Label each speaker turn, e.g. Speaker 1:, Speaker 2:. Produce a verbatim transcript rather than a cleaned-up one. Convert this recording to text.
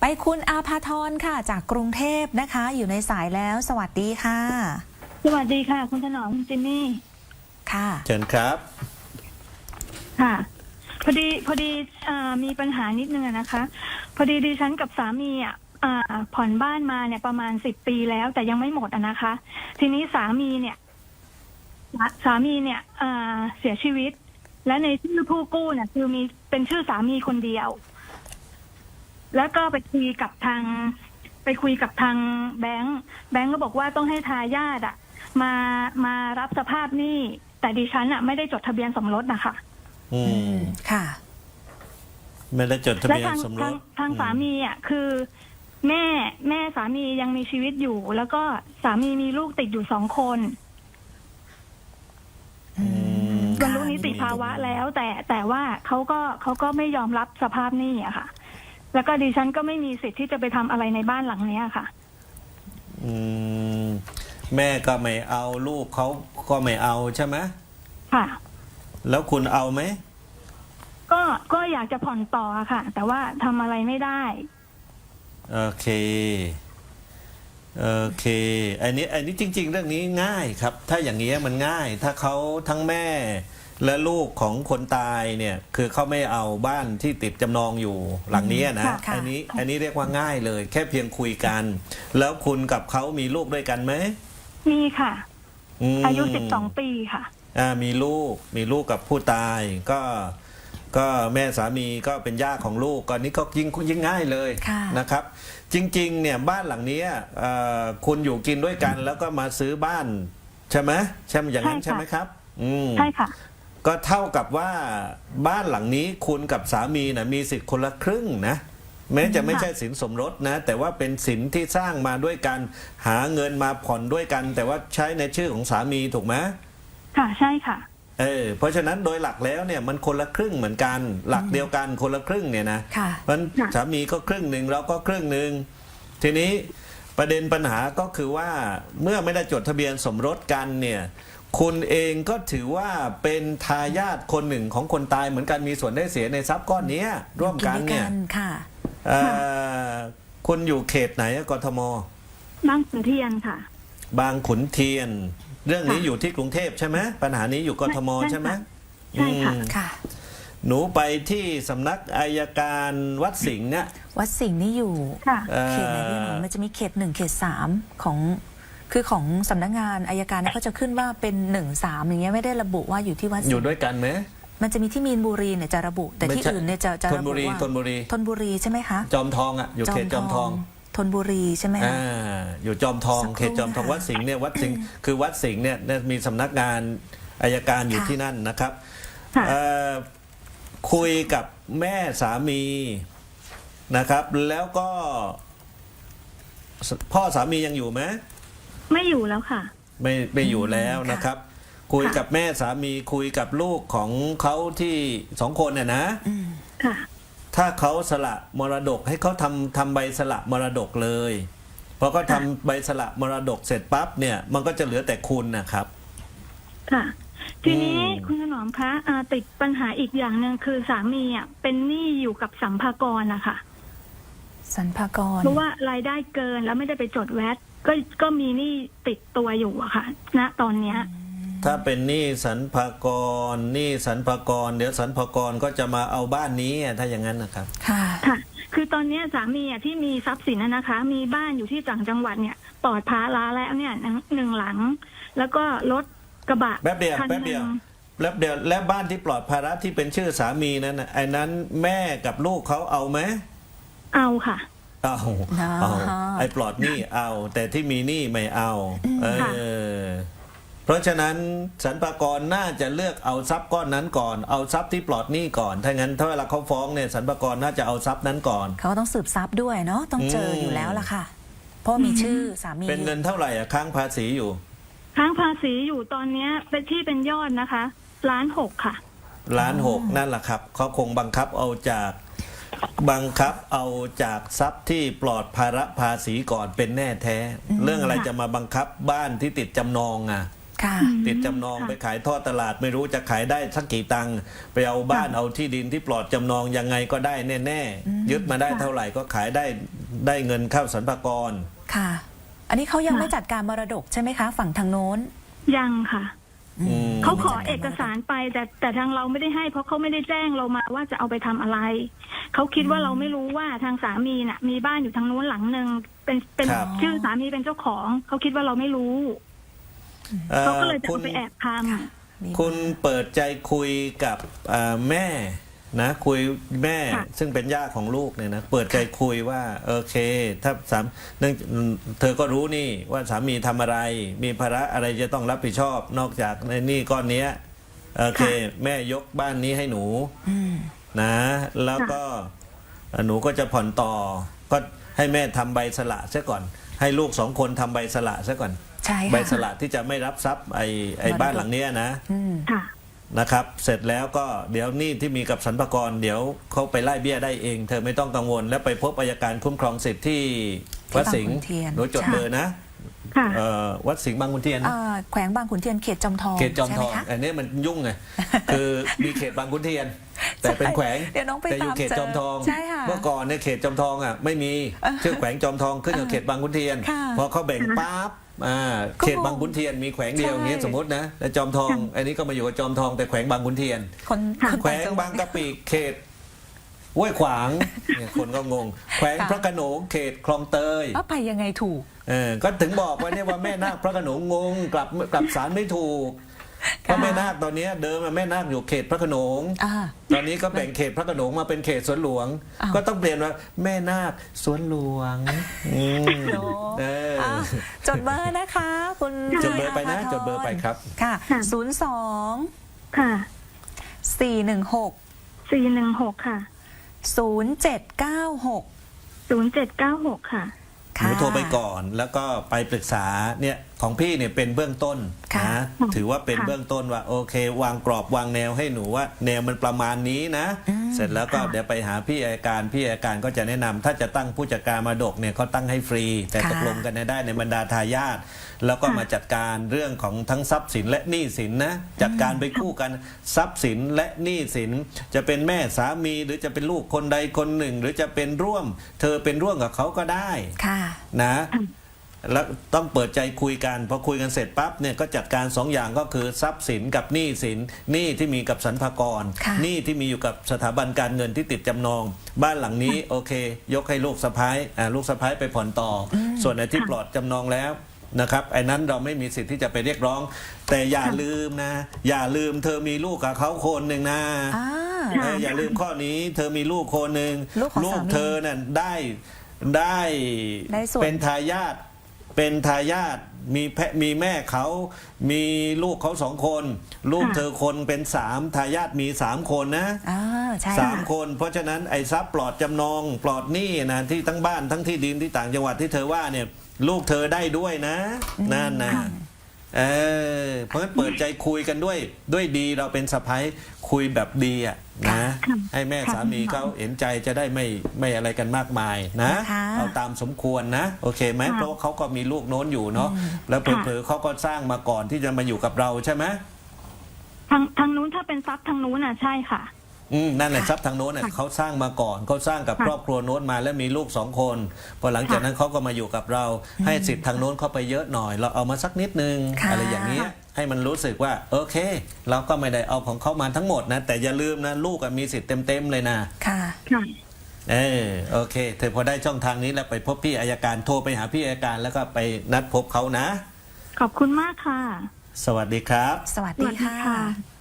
Speaker 1: คุณอาภาธรค่ะจากกรุงเทพนะคะอยู่ในสายแล้วสวัสดีค่ะ
Speaker 2: สวัสดีค่ะคุณถนอมคุณจิมมี่
Speaker 1: ค่ะ
Speaker 3: เชิญครับ
Speaker 2: ค่ะพอดีพอดีมีปัญหานิดนึงนะคะ พอดีดิฉันกับสามีอ่ะผ่อนบ้านมาเนี่ยประมาณสิบปีแล้วแต่ยังไม่หมดอะนะคะ ทีนี้สามีเนี่ยสามีเนี่ยเสียชีวิตและในชื่อผู้กู้เนี่ยคือมีเป็นชื่อสามีคนเดียวแล้วก็ไปคุยกับทางไปคุยกับทางแบงค์แบงค์ก็บอกว่าต้องให้ทายาทอ่ะมามารับสภาพหนี้แต่ดิฉันอ่ะไม่ได้จดทะเบียนสมรสนะคะ
Speaker 3: อืม
Speaker 1: ค่ะ
Speaker 3: ไม่ได้จดทะเบียนสมรส
Speaker 2: ทางสามีอ่ะคือแม่แม่สามียังมีชีวิตอยู่แล้วก็สามีมีลูกติดอยู่สองคนบรรลุนิติภาวะแล้วแต่แต่ว่าเขาก็เขาก็ไม่ยอมรับสภาพหนี้อะค่ะแล้วก็ดิฉันก็ไม่มีสิทธิ์ที่จะไปทำอะไรในบ้านหลังนี้ค่ะ
Speaker 3: อืมแม่ก็ไม่เอาลูกเขาก็ไม่เอาใช่ไหม
Speaker 2: ค่ะ
Speaker 3: แล้วคุณเอาไหม
Speaker 2: ก็ก็อยากจะผ่อนต่อค่ะแต่ว่าทำอะไรไม่ได้
Speaker 3: โอเคโอเคอันนี้อันนี้จริงๆเรื่องนี้ง่ายครับถ้าอย่างนี้มันง่ายถ้าเขาทั้งแม่และลูกของคนตายเนี่ยคือเขาไม่เอาบ้านที่ติดจำนองอยู่หลังนี้นะอันนี้อันนี้เรียกว่าง่ายเลยแค่เพียงคุยกันแล้วคุณกับเขามีลูกด้วยกันไหม
Speaker 2: มีค่ะอายุสิบสองปีค่ะ
Speaker 3: อ่ามีลูกมีลูกกับผู้ตายก็ก็แม่สามีก็เป็นย่าของลูกก็นี้ก็ยิ่งยิ่งง่ายเลยนะครับจริงๆเนี่ยบ้านหลังนี้คุณอยู่กินด้วยกันแล้วก็มาซื้อบ้านใช่ไหมใช่อย่างนั้นใช่ไหมครับ
Speaker 2: ใช่ค่ะ
Speaker 3: ก็เท่ากับว่าบ้านหลังนี้คุณกับสามีนะมีสิทธิ์คนละครึ่งนะแม้จะไม่ใช่สินสมรสนะแต่ว่าเป็นสินที่สร้างมาด้วยกันหาเงินมาผ่อนด้วยกันแต่ว่าใช้ในชื่อของสามีถูกไหม
Speaker 2: ค่ะใช่ค่ะ
Speaker 3: เออเพราะฉะนั้นโดยหลักแล้วเนี่ยมันคนละครึ่งเหมือนกันหลักเดียวกันคนละครึ่งเนี่ยนะมันสามีก็ครึ่งหนึ่งเราก็ครึ่งหนึ่งทีนี้ประเด็นปัญหาก็คือว่าเมื่อไม่ได้จดทะเบียนสมรสกันเนี่ยคุณเองก็ถือว่าเป็นทายาทคนหนึ่งของคนตายเหมือนกันมีส่วนได้เสียในทรัพย์ก้อนนี้ร่วมกันเนี่ยคุณอยู่เขตไหนกทม
Speaker 2: บางขุนเทียนค่ะ
Speaker 3: บางขุนเทียนเรื่องนี้อยู่ที่กรุงเทพใช่ไหมปัญหานี้อยู่กทมใช่ไหม
Speaker 2: ใช่
Speaker 1: ค่ะ
Speaker 3: หนูไปที่สำนักอายการวัดสิงห์เนี่ย
Speaker 1: วัดสิงห์นี่อยู่เขตไหนพี่หนูมันจะมีเขตหนึ่งเขตสามของคือของสำนักงานอายการเนี่ยเขาจะขึ้นว่าเป็นหนึ่งสามอย่างเงี้ยไม่ได้ระบุว่าอยู่ที่วัด
Speaker 3: อยู่ด้วยกันไหม
Speaker 1: มันจะมีที่มีนบุรีเนี่ยจะระบุแต่ที่อื่นเนี่ยจะจะระบุว่า
Speaker 3: ธนบุรี
Speaker 1: ธนบุรีใช่ไหมคะ
Speaker 3: จอมทองอ่ะอยู่เขตจอมทอง
Speaker 1: ธนบุรีใช่ไหมคะ
Speaker 3: อ่าอยู่จอมทองเขตจอมทองวัดสิงห์เนี่ยวัดสิงห์คือวัดสิงห์เนี่ยมีสำนักงานอายการอยู่ที่นั่นนะครับคุยกับแม่สามีนะครับแล้วก็พ่อสามียังอยู่ไหม
Speaker 2: ไม่อยู่แล้วค่ะ
Speaker 3: ไม่ไม่อยู่แล้วนะครับคุยกับแม่สามีคุยกับลูกของเขาที่สองคนเนี่ยนะ
Speaker 2: ค่ะ
Speaker 3: ถ้าเขาสละมรดกให้เขาทำทำใบสละมรดกเลยพอเขาทำใบสละมรดกเสร็จปั๊บเนี่ยมันก็จะเหลือแต่คุณนะครับ
Speaker 2: ค่ะทีนี้คุณถนอมคะติดปัญหาอีกอย่างหนึ่งคือสามีอ่ะเป็นหนี้อยู่กับสัมภากรนะคะ
Speaker 1: สัมภากร
Speaker 2: เพราะว่ารายได้เกินแล้วไม่ได้ไปจดแวตก็ก็มีหนี้ติดตัวอยู่อะค่ะณตอนเนี้ย
Speaker 3: ถ้าเป็นหนี้สรรพากรหนี้สรรพากรเดี๋ยวสรรพากรก็จะมาเอาบ้านนี้ถ้าอย่างนั้นนะครับ
Speaker 2: ค่ะค่ะคือตอนนี้สามีอ่ะที่มีทรัพย์สินนะคะมีบ้านอยู่ที่ต่างจังหวัดเนี่ยปลอดภาระแล้วเนี่ยหนึ่งหลังแล้วก็รถกระบะ
Speaker 3: แป๊บเดียวแป๊บเดียวแล้วเดี๋ยวและบ้านที่ปลอดภาระที่เป็นชื่อสามีนั้นไอ้นั้นแม่กับลูกเขาเอาไหม
Speaker 2: เอาค่ะ
Speaker 3: เอาเอาไอ้ปลอดหนี้เอาแต่ที่มีหนี้ไม่เอาเออเพราะฉะนั้นสรรพากรน่าจะเลือกเอาทรัพย์ก้อนนั้นก่อนเอาทรัพย์ที่ปลอดหนี้ก่อนถ้างั้นถ้าเวลาเขาฟ้องเนี่ยสรรพากรน่าจะเอาทรัพย์นั้นก่อน
Speaker 1: เขาต้องสืบทรัพย์ด้วยเนาะต้องเจออยู่แล้วล่ะค่ะเพราะมีชื่อสามี
Speaker 3: เป็นเงินเท่าไหร่อะค้างภาษีอยู่
Speaker 2: ค้างภาษีอยู่ตอนนี้เป็นที่เป็นยอดนะคะล้านหกค่ะ
Speaker 3: ล้านหกนั่นแหละครับเขาคงบังคับเอาจากบังคับเอาจากทรัพย์ที่ปลอดภาระภาษีก่อนเป็นแน่แท้เรื่องอะไรจะมาบังคับบ้านที่ติดจำนองอ่ะ
Speaker 1: ค่ะ
Speaker 3: ติดจำนอง
Speaker 2: ค่ะ
Speaker 3: ไปขายทอดตลาดไม่รู้จะขายได้สักกี่ตังค์ไปเอาบ้าน
Speaker 2: ค่ะ
Speaker 3: เอาที่ดินที่ปลอดจำนองยังไงก็ได้แน่ๆยึดมาได้
Speaker 2: ค่ะ
Speaker 3: เท่าไหร่ก็ขายได้ได้เงินเข้าสรรพากร
Speaker 1: ค่ะ อันนี้เขายัง
Speaker 2: ค่ะ
Speaker 1: ไม่จัดการมรดกใช่ไหมคะ ฝั่งทางโน้น
Speaker 2: ยังค่ะ
Speaker 3: อืม
Speaker 2: เขาขอ
Speaker 1: ไม่จัดการ
Speaker 2: เอกสารไปแต่แต่ทางเราไม่ได้ให้ เพราะเขาไม่ได้แจ้งเรามาว่าจะเอาไปทำอะไร เขาคิดว่าเราไม่รู้ว่าทางสามีน่ะ มีบ้านอยู่ทางนู้นหลังหนึ่งเป็นเป็น
Speaker 3: ครับ
Speaker 2: ชื่อสามีเป็นเจ้าของ เขาคิดว่าเราไม่รู้
Speaker 3: เอ่อ
Speaker 2: เขาก็เลยจะ
Speaker 3: คุ
Speaker 2: เอา
Speaker 3: ณ
Speaker 2: ไปแอบท
Speaker 1: มี
Speaker 3: คุณเปิดใจคุยกับเอ่อแม่นะคุยแม่
Speaker 2: ค่ะ
Speaker 3: ซึ่งเป็นย่าของลูกเนี่ยนะเปิดใจคุยว่าโอเค ถ้าสามเนื่องเธอก็รู้นี่ว่าสามีทำอะไร มีภาระอะไรจะต้องรับผิดชอบ นอกจากในหนี้ก้อนเนี้ยโอเค แม่ยกบ้านนี้ให้หนู
Speaker 1: อืม
Speaker 3: นะแล้วก็หนูก็จะผ่อนต่อ ก็ให้แม่ทำใบสละซะก่อน ให้ลูกสองคนทำใบสละซะก่อน
Speaker 1: ใช่
Speaker 3: ใบ
Speaker 1: ค่ะ
Speaker 3: สละที่จะไม่รับทรัพย์ไอ้ไอ้
Speaker 1: มรดก
Speaker 3: บ้านหลังเนี้ยนะ
Speaker 1: อืม
Speaker 2: ำค่ะ
Speaker 3: นะครับ เสร็จแล้วก็เดี๋ยวหนี้ที่มีกับสรรพากรเดี๋ยวเขาไปไล่เบี้ยได้เอง เธอไม่ต้องกังวล แล้วไปพบอัยการคุ้มครองสิทธิ์ที่วัดสิงห์
Speaker 1: ที่บางขุนเทียน
Speaker 3: หนูจด
Speaker 1: ใช่
Speaker 3: เบอร์นะ
Speaker 2: ค่ะ
Speaker 3: เอ่อวัดสิงห์บางขุนเทียนนะ
Speaker 1: อ่าแขวงบางขุนเทียนเขตจอมทอง
Speaker 3: เขตจอมทอง
Speaker 1: ใช่ไหคะ
Speaker 3: อันนี้มันยุ่งไง คือมีเขตบางขุนเทียน แต่เป็นแขวง
Speaker 1: เดี๋ยวน้องไป
Speaker 3: แต่อยู่
Speaker 1: ตาม
Speaker 3: เขตจอมทอง
Speaker 1: เจอใช่ค่ะ
Speaker 3: เมื่อก่อนเนี่ยเขตจอมทองอ่ะไม่มีชื่อแขวงจอมทองขึ้นกับเขตบางขุนเทียน
Speaker 1: ค่ะ
Speaker 3: พอเขาแบ่งปั๊บอ่า
Speaker 1: ก็
Speaker 3: เขตบางขุนเทียนมีแขวงเดียวอย่างเงี้ย
Speaker 1: ใช่
Speaker 3: สมมตินะแล้วจอมทอง อันนี้ก็มาอยู่กับจอมทองแต่แขวงบางขุนเทียน
Speaker 1: คน
Speaker 2: ค่ะ
Speaker 1: คน
Speaker 3: แขว
Speaker 1: ต่าง
Speaker 3: ง
Speaker 1: จังหวั
Speaker 3: บา
Speaker 1: ด
Speaker 3: งกะปิเขตห้วยขวางเนี่ยคนก็งง แขวง
Speaker 1: ค่ะ
Speaker 3: พระโขนงเขตคลองเตย
Speaker 1: ว่าไปยังไงถูก
Speaker 3: เออก็ถึงบอกว่าเนี่ยว่าแม่นาคพระโขนงงงกลับกลับสารไม่ถูกเพราะแม่นาคตอนเนี้ยเดิมอะแม่นาคอยู่เขตพระโขนง
Speaker 1: อ่า
Speaker 3: ตอนนี้ก็แบ่งเขตพระโขนงมาเป็นเขตสวนหลวง
Speaker 1: อ้าว
Speaker 3: ก็ต้องเปลี่ยนว่าแม่นาคสวนหลวงอืม
Speaker 1: โน้
Speaker 3: เออ
Speaker 1: อ้าวจดเบอร์นะคะ คุณ
Speaker 3: จดเบอร์ไปนะ
Speaker 1: อาภาธร
Speaker 3: จดเบอร์ไปครับ
Speaker 1: ค่ะ
Speaker 2: ค่ะ
Speaker 1: ศูนย์สอง
Speaker 2: ค่ะ
Speaker 1: สี่หนึ่งหก
Speaker 2: สี่หนึ่งหกค่ะ
Speaker 1: ศูนย์เจ็ดเก้าหก
Speaker 2: ศูนย์เจ็ดเก้าหกค่ะ
Speaker 3: หนูโทรไปก่อนแล้วก็ไปปรึกษาเนี่ยของพี่เนี่ยเป็นเบื้องต้น
Speaker 1: ค่ะ
Speaker 3: นะถือว่าเป็น
Speaker 2: ค่ะ
Speaker 3: เบื้องต้นว่าโอเค วางกรอบวางแนวให้หนูว่า แนวมันประมาณนี้นะ
Speaker 1: อืม
Speaker 3: เสร็จแล้วก็
Speaker 2: ค่ะ
Speaker 3: เดี๋ยวไปหาพี่อัยการพี่อัยการก็จะแนะนำถ้าจะตั้งผู้จัดการมรดกเนี่ยเขาตั้งให้ฟรี แต่ตกลงกันได้ในบรรดาทายาทแล้วก็มาจัดการเรื่องของทั้งทรัพย์สินและหนี้สินนะจัดการไปคู่กันทรัพย์สินและหนี้สิน จะเป็นแม่สามีหรือจะเป็นลูกคนใดคนหนึ่ง หรือจะเป็นร่วม เธอเป็นร่วมกับเขาก็ได้
Speaker 1: ค่ะ
Speaker 3: นะแล้วต้องเปิดใจคุยกันพอคุยกันเสร็จปั๊บเนี่ยก็จัดการสองอย่างก็คือทรัพย์สินกับหนี้สินหนี้ที่มีกับสรรพากร
Speaker 1: ค่ะ
Speaker 3: หนี้ที่มีอยู่กับสถาบันการเงินที่ติดจำนอง บ้านหลังนี้โอเค ยกให้ลูกสะพ้ายอ่าลูกสะพ้ายไปผ่อนต่ออส่วนไอ้ที่
Speaker 2: ค่ะ
Speaker 3: ปลอดจำนองแล้วนะครับไอ้นั้นเราไม่มีสิทธิ์ที่จะไปเรียกร้อง แต่อย่า
Speaker 2: ค่ะ
Speaker 3: ลืมนะ อย่าลืมเธอมีลูกกับเขาคนหนึ่งนะ
Speaker 1: อ่า
Speaker 3: เอออย่าลืมข้อนี้เธอมีลูกคนหนึ่ง
Speaker 1: ลูกของสามี
Speaker 3: เธอน่ะได้ได้
Speaker 1: ได้ส่วน
Speaker 3: เป็นทายาทเป็นทายาทมีแพะมีแม่เขามีลูกเขาสองคน ลูก
Speaker 2: ค่ะ
Speaker 3: เธอคนเป็นสามทายาทมีสามคนนะ
Speaker 1: อ่าใช่
Speaker 3: สาม
Speaker 1: ค่ะ
Speaker 3: คน เพราะฉะนั้นไอ้ทรัพย์ปลอดจำนอง ปลอดหนี้นะที่ทั้งบ้านทั้งที่ดินที่ต่างจังหวัดที่เธอว่าเนี่ยลูกเธอได้ด้วยนะนั่นนะเออเพราะฉะนั้นเปิดใจคุยกันด้วยด้วยดีเราเป็นสะพ้ายคุยแบบดีอ่ะนะ
Speaker 2: ค่ะ
Speaker 3: ให้แม่
Speaker 2: ค่ะ
Speaker 3: สามีเขาเห็นใจจะได้ไม่ไม่อะไรกันมากมายนะ
Speaker 1: นะคะ
Speaker 3: เอาตามสมควรนะ โอเคไหม
Speaker 2: ค่ะ
Speaker 3: เพราะว่าเขาก็มีลูกโน้นอยู่เนาะแล้วเผลอๆเขาก็สร้างมาก่อนที่จะมาอยู่กับเราใช่ไหม
Speaker 2: ทางทางนู้นถ้าเป็นทรัพย์ทางนู้นอ่ะใช่ค่ะ
Speaker 3: อืมนั่นแหละทรัพย์ทางโน้นน่ะ
Speaker 2: ค่ะ
Speaker 3: เขาสร้างมาก่อนเขาสร้างกับ
Speaker 2: ค่ะ
Speaker 3: ครอบครัวโน้นมาแล้วมีลูกสองคนพอหลังจาก
Speaker 2: ค่ะ
Speaker 3: นั้นเขาก็มาอยู่กับเรา ให้สิทธิ์ทางโน้นเข้าไปเยอะหน่อย เราเอามาสักนิดนึง
Speaker 1: ค่ะ
Speaker 3: อะไรอย่างเงี้ยให้มันรู้สึกว่าโอเค เราก็ไม่ได้เอาของเขามาทั้งหมดนะ แต่อย่าลืมนะลูกอะมีสิทธิ์เต็มๆเลยนะ
Speaker 1: ค่ะ
Speaker 2: ค่ะ
Speaker 3: เออโอเคเธอพอได้ช่องทางนี้แล้วไปพบพี่อัยการโทรไปหาพี่อัยการแล้วก็ไปนัดพบเขานะ
Speaker 2: ขอบคุณมากค่ะ
Speaker 3: สวัสดีครับ
Speaker 1: สวัส
Speaker 2: ส
Speaker 1: ดี
Speaker 2: วัสดี
Speaker 1: ค่ะ
Speaker 2: ค่ะ